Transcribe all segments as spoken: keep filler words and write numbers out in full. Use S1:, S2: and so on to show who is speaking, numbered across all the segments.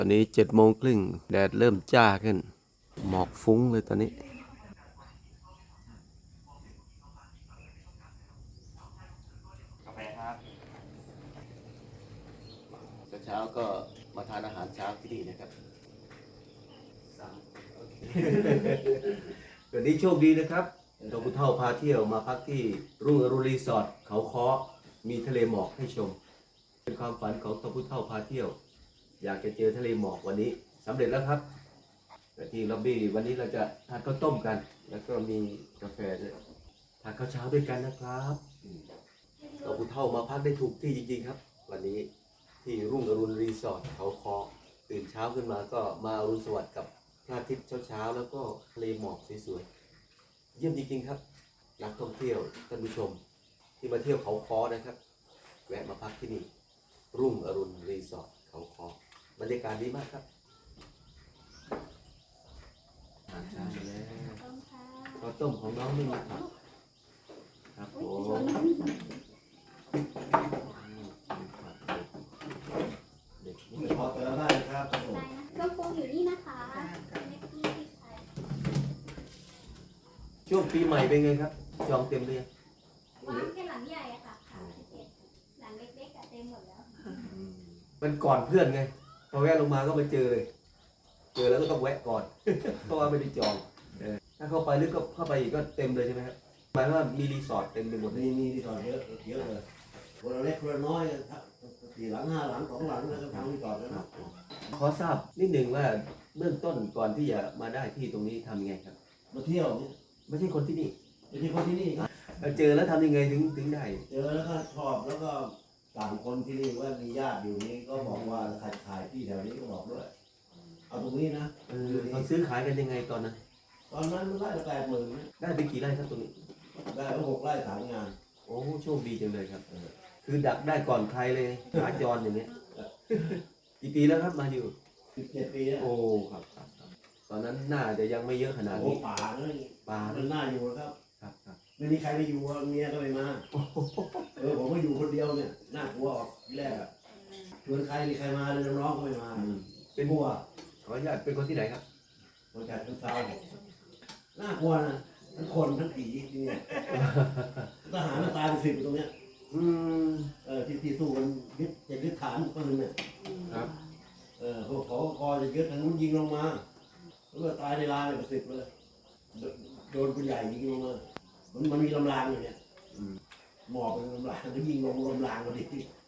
S1: ตอนนี้เจ็ดโมงครึ่งแดดเริ่มจ้าขึ้นหมอกฟุ้งเลยตอนนี้
S2: กาแฟครับ
S1: เช้าก็มาทานอาหารเช้าที่นี่นะครับวันนี้โชคดีนะครับดอกพุเท่าพาเที่ยวมาพักที่รุ่งอรุณรีสอร์ทเขาค้อมีทะเลหมอกให้ชมเป็นความฝันของดอกพุเท่าพาเที่ยวอยากจะเจอทะเลหมอกวันนี้สำเร็จแล้วครับที่ล็อบบี้วันนี้เราจะทานข้าวต้มกันแล้วก็มีกาแฟด้วยทานข้าวเช้าด้วยกันนะครับดอกพุเท่ามาพักได้ถูกที่จริงๆครับวันนี้ที่รุ่งอรุณรีสอร์ทเขาค้อตื่นเช้าขึ้นมาก็มาอรุณสวัสดิ์กับพระอาทิตย์เช้าๆแล้วก็ทะเลหมอกสวยๆเยี่ยมจริงๆครับนักท่องเที่ยวท่านผู้ชมที่มาเที่ยวเขาค้อนะครับแวะมาพักที่นี่รุ่งอรุณรีสอร์ทเขาค้อบรรยากาศดีมากครับอาหารเช้ามาแล้วข้าวต้มของน้องไม่มีผักครับผมเด็กนี่
S3: พอเติมได้ครับผม
S4: เครื่องปรุงอยู่นี่นะคะเล็กที่ที่ใช้
S1: ช่วงปีใหม่เป็นไงครับจองเต็มเลยง
S4: วางแค่หลังใหญ่อะค่ะหลังเล็กหลังเล็กๆอะเต็มหมดแล้ว
S1: มันก่อนเพื่อนไงพอแวะลงมาก็มาเจอเลยเจอแล้วก็ต้องแวะก่อน เพราะว่าไม่ได้จองเออถ้าเข้าไปลึกก็เข้าไปอีกก็เต็มเลยใช่ไหมครับหมายว่ามีรีสอร์ทเต็มไปหมดเลย
S3: มีมีที่ต่อเยอะเยอะเลยคนละเล็กคนละน้อยสี่หลังห้าหลังสองหลังแล้วก็ทำที่ต่อแล้ว
S1: ครับขอทราบนิดหนึ่งว่าเบื้องต้นก่อนที่จะมาได้ที่ตรงนี้ทำยังไงครับ
S3: มาเที่ยวเนี่ย
S1: ไม่ใช่คนที่นี่
S3: ไม่ใช่คนที่นี่ครับ
S1: เออเจอแล้วทำยังไงถึงถึงได้
S3: เจอแล้วก็ชอบแล้วก็ต่างคนที่นี่ว่ามีญาติอยู่นี้ก็บอกว่าขายขายที่แถวนี้ก็บอกด้วยเอาตรงนี้นะ
S1: เออเขาซื้อขายกันยังไงตอนนั้น
S3: ตอนนั้นมันไร่ละแปดหมื่น
S1: ได้ไปกี่ไร่ครับตรงนี้
S3: ได้ก็หกไร่สามงาน
S1: โอ้โชคดีจังเลยครับเออคือดักได้ก่อนใครเลยขาจรอย่างเงี้ยกี่ปีแล้วครับมาอยู่
S3: สิบเจ็ดปีแล้ว
S1: โอ้ครับครับครับตอนนั้นน่าจะยังไม่เยอะขนาด
S3: โอ้
S1: นี้
S3: ป่าเลย
S1: ปลา
S3: มันน่าอยู่แล้วครับ
S1: ครับครับ
S3: ไม่มีใครไปอยู่เมียก็ไม่มาเออผมก็อยู่คนเดียวเนี่ยน่ากลัวออกที่แรกอะชวนใครมีใครมาเลยน้องๆก็ไม่มา
S1: อืม
S3: เป็นบัว
S1: ขออนุญาตเป็นคนที่ไหนครับ
S3: คนจัดเป็นสาวน่ากลัวนะทั้งคนทั้งผีที่เนี่ยทหารมันตายเป็นสิบอยู่ตรงเนี้ย
S1: อืม
S3: เออที่ที่สู้กันยึดจะยึดฐานปืนเนี่ย
S1: ครับ
S3: เออพวกขอคอจะยึดทางนู้นยิงลงมาแล้วก็ตายในลานเลยเป็นสิบเลยโดโดนปืนใหญ่ยิงลงมามันมันมีลำรางอยู่เนี่ย
S1: อืม
S3: หมอบเป็นลำรางก็ยิงลงลำรางพอดี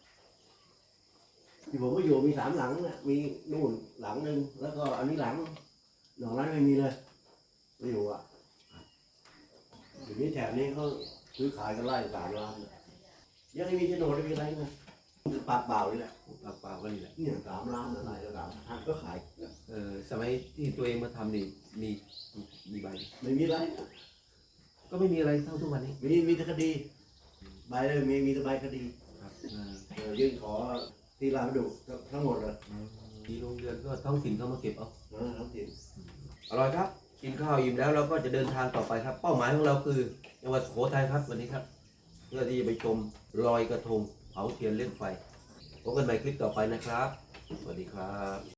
S3: ที่ผมก็อยู่มีสามหลังเนี่ยมีนู่นหลังหนึ่งแล้วก็อันนี้หลังหลังนั้นไม่มีเลยไม่อยู่อ่ะเดี๋ยวนี้แถบนี้เขาซื้อขายกันไล่สามล้านยังไม่มีโฉนดไม่มีอะไรนะปากเปล่าเลยแหละ
S1: ปากเปล่าก็นี่แหละ
S3: เนี่ยสามล้านอะไรก็สามพันก็ขาย
S1: เออสมัยที่ตัวเองมาทำนี่มีมีใบ
S3: ไม่มีอะไร
S1: ก็ไม่มีอะไรเท่าทุกวันนี้
S3: มีมีแต่คดีใบเลยมีมีแต่ใบคดี
S1: ครับอ่า
S3: เออยื่นขอที่ราชบุรีทั้งหมดเลย
S1: มีโรงเรือนก็ท้องถิ่นเข้ามาเก็บเอา
S3: นะทั้งถิ่น
S1: อร่อยครับ กินข้าวอิ่มแล้วเราก็จะเดินทางต่อไปครับ เป้าหมายของเราคือจังหวัดสุโขทัยครับวันนี้ครับ เพื่อที่จะไปชมลอยกระทงเผาเทียนเล่นไฟพบกันใหม่คลิปต่อไปนะครับ สวัสดีครับ